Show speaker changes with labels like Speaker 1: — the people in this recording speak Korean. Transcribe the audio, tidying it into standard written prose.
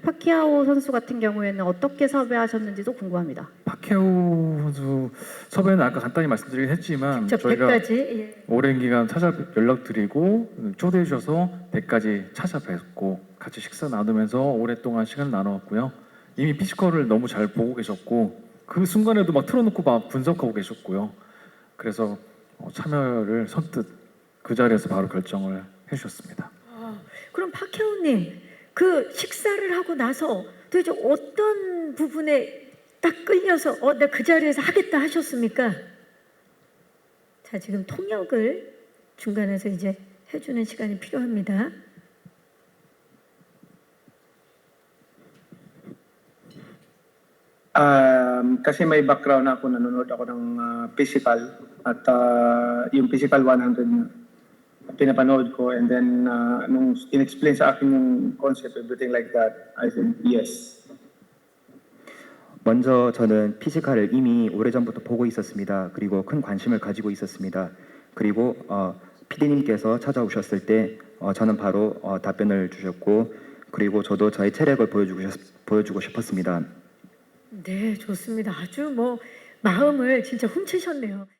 Speaker 1: 파키아오 선수 같은 경우에는 어떻게 섭외하셨는지도 궁금합니다.
Speaker 2: 파케오 선수 섭외는 아까 간단히 말씀드리긴 했지만
Speaker 1: 저
Speaker 2: 저희가
Speaker 1: 100까지 예.
Speaker 2: 오랜 기간 연락드리고 초대해 주셔서 100까지 찾아뵙고 같이 식사 나누면서 오랫동안 시간을 나누었고요. 이미 피지컬을 너무 잘 보고 계셨고 그 순간에도 막 틀어놓고 막 분석하고 계셨고요. 그래서 참여를 선뜻 그 자리에서 바로 결정을 해주셨습니다.
Speaker 1: 그럼 파키아오님 그 식사를 하고 나서 도대체 어떤 부분에 딱 끌려서 나 그 자리에서 하겠다 하셨습니까? 자, 지금 통역을 중간에서 이제 해주는 시간이 필요합니다.
Speaker 3: Kasi may background ako, nanonood ako ng physical at yung physical 100 na pinapanood ko, and then nung in-explain sa akin yung concept, everything like that, I said yes.
Speaker 4: 먼저 저는 피지컬을 이미 오래전부터 보고 있었습니다. 그리고 큰 관심을 가지고 있었습니다. 그리고 PD님께서 찾아오셨을 때 저는 바로 답변을 주셨고, 그리고 저도 저의 체력을 보여주고 싶었습니다.
Speaker 1: 네, 좋습니다. 아주 뭐 마음을 진짜 훔치셨네요.